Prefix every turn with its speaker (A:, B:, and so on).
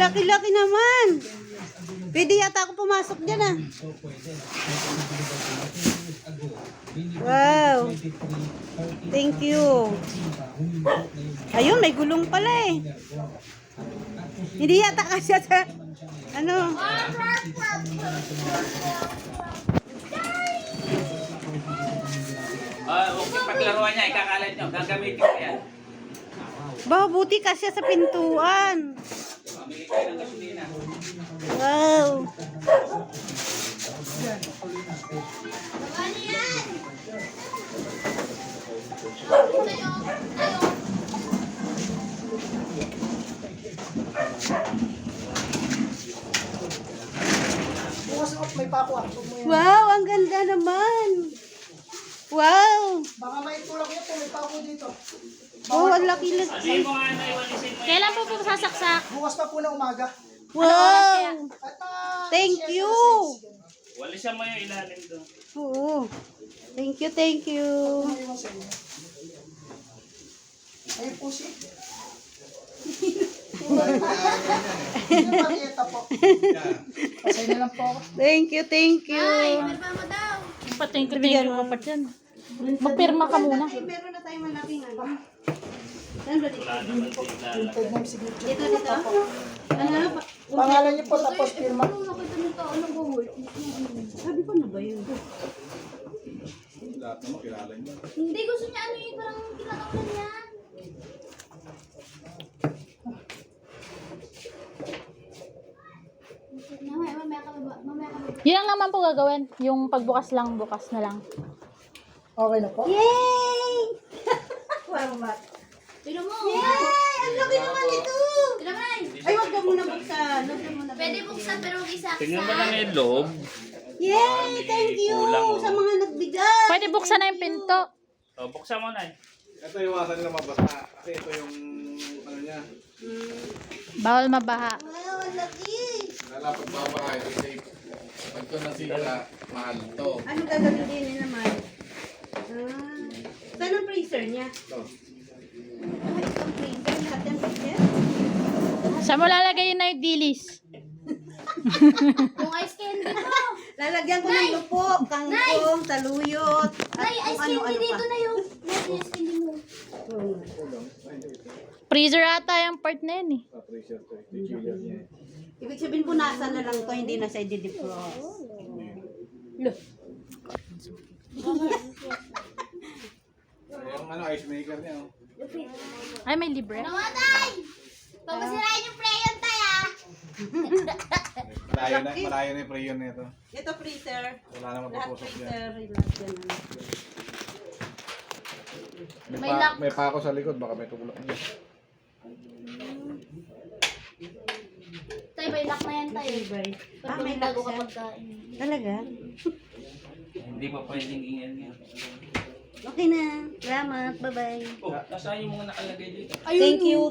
A: laki-laki naman. Pwede yata ako pumasok dyan ah. Wow. Thank you. Ayun, may gulong pala eh. Hindi yata kasi sa... Ano?
B: Huwag yung paglaruan niya, ikakalat nyo. Gagamitin ko yan.
A: Ba, buti kasi sa pintuan.
B: Pamili kayo ng gasolina.
A: Wow.
C: May pako ah.
A: Wow, ang ganda naman. Wow.
C: Baka may tulak niya po, may pako dito.
A: Oh, ang laki-laki.
B: Ano mo nga na iwalisin mo?
D: Kailan po sasaksak?
C: Bukas pa po na umaga.
A: Wow.
C: At
A: Thank you.
B: Walisan mo yung ilalim doon.
A: Oo. Thank you, thank you.
C: Ayun po si. Yung pag-ieta po. Pasay na lang po ako.
A: Thank you, thank you.
D: Pirma mo daw. Patingin ko pa dyan. Magpirma ka muna.
A: Ay, meron na tayong malaking ano. Saan ba dito?
B: Wala naman sa ilalim.
C: Hintay mo yung signature.
A: Dito, dito. Ano pa?
C: Pangalan niyo po tapos pirma.
A: Sabi ko na ba yun?
D: Hindi, gusto niya ano yun, parang kinakakulan yan. Mamaya ka ba?
E: Yun lang naman po gagawin. Yung pagbukas lang, bukas na lang.
C: Okay na po.
A: Yay! Wow, mat.
D: Tignan mo.
A: Yay! Ang laki naman ito!
D: Tignan mo na.
A: Ay, wag ka muna buksan. Wag ka muna
D: Pwede buksan pero huwag isa.
B: Tingnan mo lang yung loob.
A: Yay! Thank you
B: Kulang, oh.
A: sa mga nagbigay.
E: Pwede buksan na yung pinto.
B: O, buksan mo na eh.
F: Ito iwasan nila mabasa kasi ito yung ano niya.
E: Bawal mabaha.
A: Wow, ang laki.
F: Lalapat babahay kasi pag ito nasira, mahal to.
A: Ano gagamitin naman? Saan ang freezer niya?
F: Ito.
A: Isang freezer, lahat ng freezer.
E: Saan mo lalagay yun na yung dilis?
D: Yung ice candy mo.
A: Lalagyan ko ng lupo, kangkong, taluyot, at
D: Nay, ice
A: kung ano-ano
D: candy dito
A: pa.
D: na yung ice candy mo.
E: Freezer ata yung part na yun eh.
F: Sa freezer to. Ito yung chiller niya.
A: Ibig sabihin punasan na lang to, hindi na siya i-defrost.
F: Yung ano, ice maker niya. Oh.
E: Ay, may libre.
D: Namatay! Pagmasirain yung prayon tayo ah.
F: Malayo na yung prayon nito.
A: Ito freezer.
F: Wala naman
A: Lahat
F: papusok dyan.
A: freezer. Lahat yan.
D: May lock.
F: May pako sa likod, baka may tulak niya.
D: Tayo, may lock na yan tayo.
A: Bye.
D: Pag
A: may
D: bago
A: lock
D: ka
A: siya.
D: pagkain.
A: Talaga?
B: Hindi pa pwedeng ingyan yan.
A: Okay na. Salamat. Bye-bye.
B: Oh, nasaan yung mga nakalagay dito?
A: Thank you